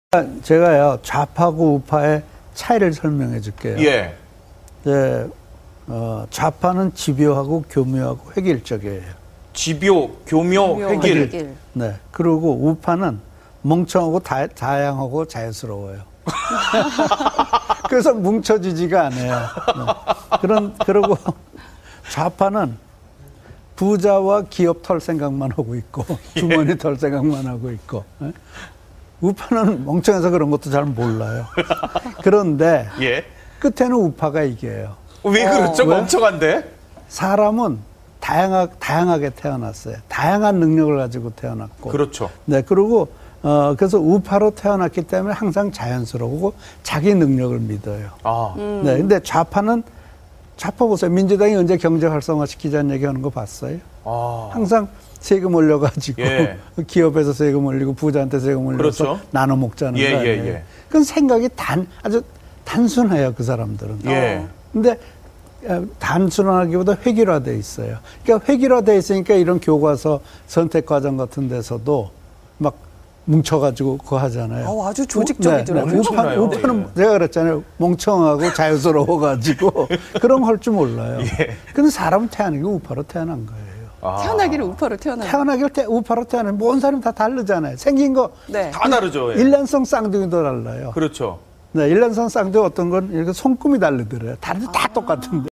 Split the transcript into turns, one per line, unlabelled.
제가요 좌파하고 우파의 차이를 설명해 줄게요.
예.
좌파는 집요하고 교묘하고 획일적이에요.
집요, 교묘, 획일.
네. 그리고 우파는 멍청하고 다양하고 자연스러워요. 그래서 뭉쳐지지가 않아요. 네. 그리고 좌파는 부자와 기업 털 생각만 하고 있고 주머니 털 생각만 하고 있고. 네? 우파는 멍청해서 그런 것도 잘 몰라요. 그런데
예.
끝에는 우파가 이겨요.
왜 그렇죠?
왜?
멍청한데?
사람은 다양하게 태어났어요. 다양한 능력을 가지고 태어났고.
그렇죠.
네, 그리고 그래서 우파로 태어났기 때문에 항상 자연스러우고 자기 능력을 믿어요.
아.
네, 근데 좌파 보세요. 민주당이 언제 경제 활성화 시키자는 얘기하는 거 봤어요?
아.
항상 세금 올려가지고
예.
기업에서 세금 올리고 부자한테 세금 올려서
그렇죠.
나눠 먹자는
예,
거 아니에요.
예.
그건 생각이 아주 단순해요, 그 사람들은.
예.
근데 단순하기보다 획일화돼 있어요. 그러니까 획일화돼 있으니까 이런 교과서 선택 과정 같은 데서도 막 뭉쳐가지고 그거 하잖아요.
아주 조직적이더라고요.
우파는 제가 그랬잖아요. 멍청하고 자유스러워가지고 그런 거 할 줄 몰라요.
예.
근데 사람은 태어나기 우파로 태어난 거예요.
아.
태어나기를 우파로 태어나요.
태어나길 우파로 태어나면 모든 사람이 다 다르잖아요. 생긴 거
네.
다 다르죠. 예.
일란성 쌍둥이도 달라요.
그렇죠.
네, 일란성 쌍둥이 어떤 건 이렇게 손금이 다르더래요. 다 똑같은데.